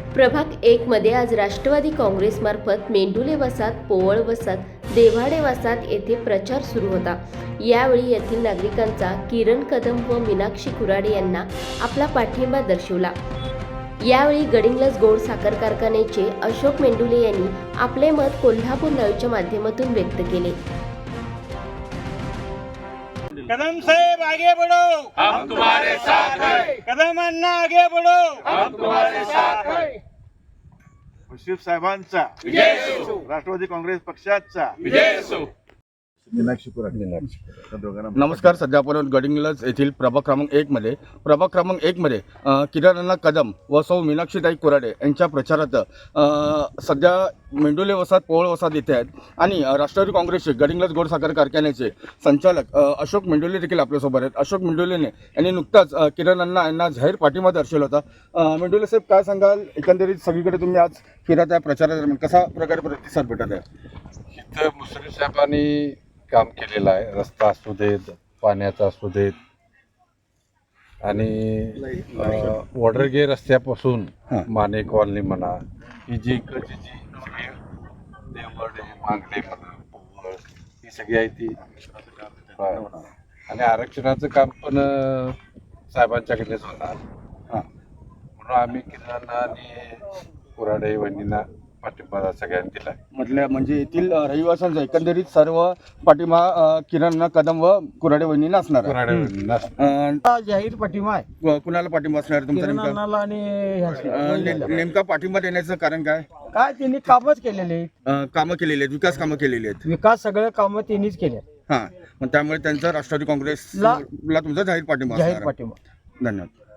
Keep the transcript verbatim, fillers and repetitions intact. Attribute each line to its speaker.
Speaker 1: प्रभाग एक मध्ये आज राष्ट्रवादी काँग्रेसमार्फत मेंढुले वसाहत, पोवळ वसाहत, देव्हाडे वसाहत येथे प्रचार सुरू होता। यावेळी येथील नागरिकांचा किरण कदम व मीनाक्षी कुराडे यांना आपला पाठिंबा दर्शवला। यावेळी गडिंग्लज गोड साखर कारखान्याचे अशोक मेंढुले यांनी आपले मत कोल्हापूर लाईव्हच्या माध्यमातून व्यक्त केले।
Speaker 2: कदम साहेब आगे बढ़ो,
Speaker 3: हम तुम्हारे साथ हैं।
Speaker 2: कदम अन्ना आगे बढ़ो,
Speaker 3: हम तुम्हारे साथ हैं।
Speaker 4: मुश्रीफ साहेबांचा
Speaker 3: विजय असो,
Speaker 4: राष्ट्रवादी काँग्रेस पक्षाचा
Speaker 3: विजय असो।
Speaker 4: मीनाक्षी कुराडे त्या दोघांना
Speaker 5: नमस्कार. सध्या आपण गडिंग्लज येथील प्रभाग क्रमांक एक मध्ये प्रभाग क्रमांक एक मध्ये अ, किरण अण्णा कदम व सौ मीनाक्षीताई कुराडे यांच्या प्रचारात अ, सध्या मेंढुले वसाहत, पोवळ वसाहत येथे आहेत आणि अ, राष्ट्रवादी काँग्रेसचे गडिंग्लज गोड साखर कारखान्याचे संचालक अ, अशोक मेंढुले देखील आपल्यासोबत आहेत. अशोक मेंढुलेने यांनी नुकताच अ, किरण अण्णा यांना जाहीर पाठिंबा दर्शवला होता. अ, मेंढुले साहेब, काय सांगाल? एकंदरीत सगळीकडे तुम्ही आज फिरत आहे, प्रचारादरम्यान कसा प्रकारे प्रतिसाद भेटत आहे?
Speaker 6: इथं मुश्रीफ साहेबांनी काम केलेलं आहे. रस्ता असू देत, पाण्याचा असू देत आणि वॉडरगे रस्त्यापासून
Speaker 5: हां.
Speaker 6: माने कॉलनी म्हणा, ही जी इकडची जी सगळी देवगडे, मागणे म्हणा, पोवळ, ही सगळी आहे ती होय. आणि आरक्षणाचं काम पण अं, साहेबांच्याकडेच होणार.
Speaker 5: हां.
Speaker 6: म्हणून आम्ही किराणा आणि कुराडे वहिनींना पाठिंबा सगळ्यांनी दिला.
Speaker 5: म्हटल्या म्हणजे येथील अ, रहिवाशांचा एकंदरीत सर्व पाठिंबा अ, किरण कदम व कुराडे वहिनींना असणार आहे.
Speaker 6: कुराडे वहिनींना
Speaker 5: अ,
Speaker 7: जाहीर पाठिंबा आहे
Speaker 5: व कुणाला पाठिंबा असणार आहे तुमचा नेमका?
Speaker 7: किरणाला आणि ह्याशी.
Speaker 5: अ, ने- नेमका पाठिंबा देण्याचं कारण काय?
Speaker 7: काय त्यांनी कामच केलेले आहेत.
Speaker 5: अ, कामं केलेली आहेत, विकास कामं केलेली आहेत.
Speaker 7: विकास सगळे कामं त्यांनीच केले.
Speaker 5: हां, मग त्यामुळे त्यांचा राष्ट्रवादी काँग्रेसला तुमचा जाहीर पाठिंबा
Speaker 7: जाहीर
Speaker 5: असणार आहे.
Speaker 7: पाठिंबा.
Speaker 5: धन्यवाद.